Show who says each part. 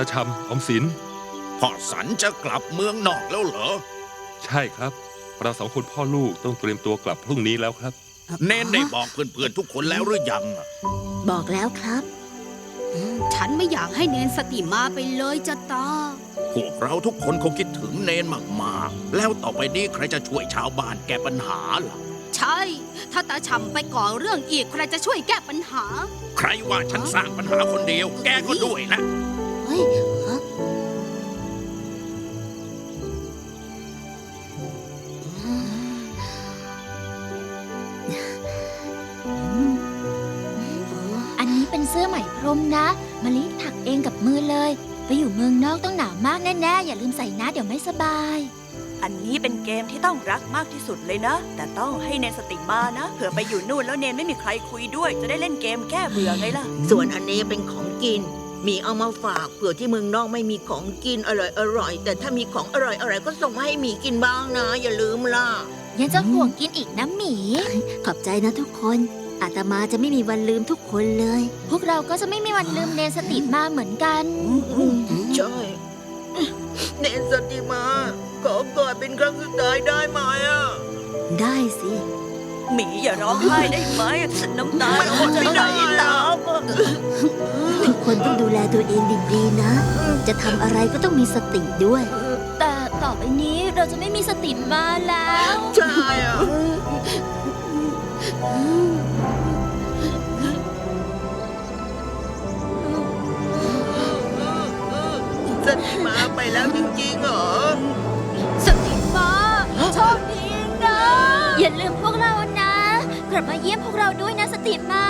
Speaker 1: าชำออมสิน
Speaker 2: พ่อสันจะกลับเมืองนอกแล้วเหรอ
Speaker 1: ใช่ครับเรา2 คนพ่อลูกต้องเตรียมตัวกลับพรุ่งนี้แล้วครับ
Speaker 2: เน้นได้บอกเพื่อนๆทุกคนแล้วหรือยัง
Speaker 3: บอกแล้วครับ
Speaker 4: ฉันไม่อยากให้เนนสติมาไปเลยจะตา
Speaker 2: พวกเราทุกคนคงคิดถึงเนนมากๆแล้วต่อไปนี้ใครจะช่วยชาวบ้านแก้ปัญหาล่ะ
Speaker 4: ใช่ถ้าตาฉ่ำไปก่อเรื่องอีกใครจะช่วยแก้ปัญหา
Speaker 2: ใครว่าฉันสร้างปัญหาคนเดียวแกก็ด้วยนะ
Speaker 3: เฮ้ย
Speaker 5: อันนี้เป็นเสื้อไหมพรมนะมะลิถักเองกับมือเลยไปอยู่เมืองนอกต้องหนาวมากแน่ๆอย่าลืมใส่นะเดี๋ยวไม่สบาย
Speaker 6: อันนี้เป็นเกมที่ต้องรักมากที่สุดเลยนะแต่ต้องให้เนนสติมานะเผื่อไปอยู่นู่นแล้วเนนไม่มีใครคุยด้วยจะได้เล่นเกมแก้เบื่อไงล่ะ
Speaker 7: ส่วนอันนี้เป็นของกินมีเอามาฝากเผื่อที่เมืองนอกไม่มีของกินอร่อยแต่ถ้ามีของอร่อยก็ส่งมาให้หมีกินบ้างนะอย่าลืมล่ะ
Speaker 5: ยังจะห่วงกินอีกนะหมี
Speaker 3: ขอบใจนะทุกคนอาตมาจะไม่มีวันลืมทุกคนเลย
Speaker 5: พวกเราก็จะไม่มีวันลืมเนนสติมาเหมือนกัน
Speaker 7: ใช่เนนสติมาขอกอดเป็นครั้งสุดท้ายได้ไหม
Speaker 3: ได้สิ
Speaker 6: หมีอย่าร้องไห้ได้ไหมน้ำตาเราจะไหลแล้ว
Speaker 3: ทุกคนต้องดูแลตัวเองดีๆนะจะทำอะไรก็ต้องมีสติด้วย
Speaker 5: แต่ต่อไปนี้เราจะไม่มีสติมาแล้ว
Speaker 7: ใช่สติมาไปแล้วจริงๆเหรอ
Speaker 5: สติมาโชคดีนะอย่าลืมพวกเรานะกลับมาเยี่ยมพวกเราด้วยนะสติมา